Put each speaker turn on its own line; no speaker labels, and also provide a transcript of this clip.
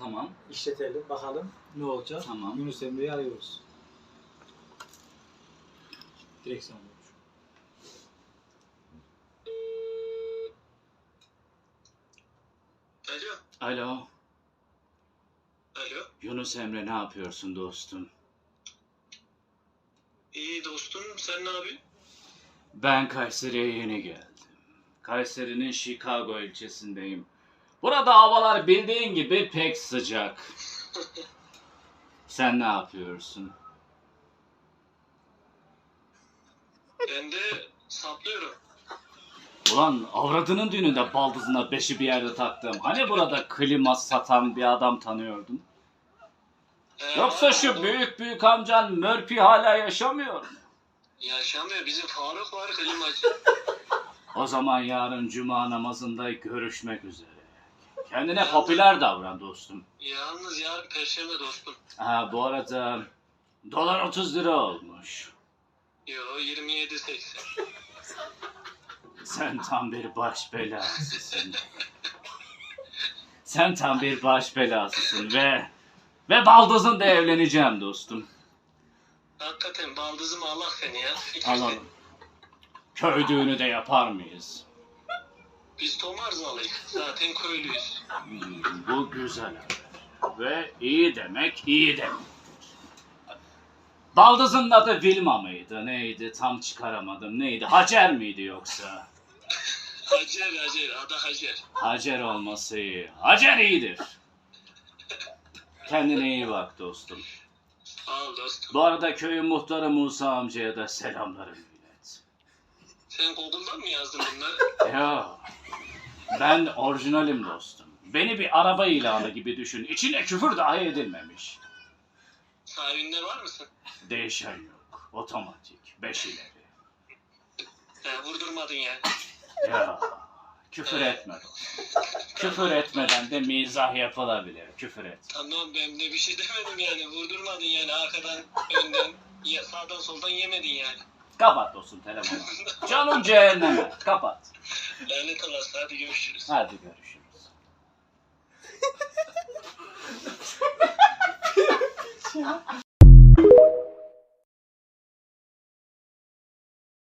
Tamam.
İşletelim bakalım ne olacak.
Tamam.
Yunus Emre'yi arıyoruz. Direksiyon olmuş.
Alo.
Alo.
Alo.
Yunus Emre, ne yapıyorsun dostum?
İyi dostum, sen ne yapıyorsun?
Ben Kayseri'ye yeni geldim. Kayseri'nin Chicago ilçesindeyim. Burada havalar bildiğin gibi pek sıcak. Sen ne yapıyorsun?
Ben de saplıyorum.
Ulan avradının düğününde baldızına beşi bir yerde taktım. Hani burada klima satan bir adam tanıyordun? Yoksa şu
Adam
büyük amcan Murphy hala yaşamıyor mu?
yaşamıyor. Bizim Faruk var, klimacı.
O zaman yarın cuma namazında görüşmek üzere. Kendine popüler davran dostum.
Yalnız yarın perşembe dostum.
Ha, bu arada dolar 30 lira olmuş.
Yo 27.80.
Sen tam bir baş belasısın. Sen tam bir baş belasısın ve baldızınla evleneceğim dostum.
Hakikaten baldızımı Allah seni ya.
Alalım. Köy düğünü de yapar mıyız?
Biz Tomarzalıyız. Zaten köylüyüz.
Bu güzel haber. Ve iyi demek iyi demektir. Baldızın adı Vilma mıydı? Neydi? Tam çıkaramadım. Neydi? Hacer miydi yoksa?
Hacer, adı Hacer.
Hacer olması iyi. Hacer iyidir. Kendine iyi bak dostum.
Sağ ol dostum.
Bu arada köyün muhtarı Musa amcaya da selamlarımı ilet.
Sen Google'dan mı yazdın bunları?
Ya, ben orijinalim dostum. Beni bir araba ilanı gibi düşün. İçine küfür dahi edilmemiş.
Sahibinde var mısın?
Değişen yok. Otomatik. 5 ileri.
Vurdurmadın yani.
Ya, küfür etme dostum. Küfür etmeden de mizah yapılabilir. Küfür et.
Tamam ben de bir şey demedim yani. Vurdurmadın yani arkadan, önden, sağdan soldan yemedin yani.
Kapat dostum telefonu. Canım cehenneme. Kapat.
Lanet olası, hadi görüşürüz.
Hadi görüşürüz.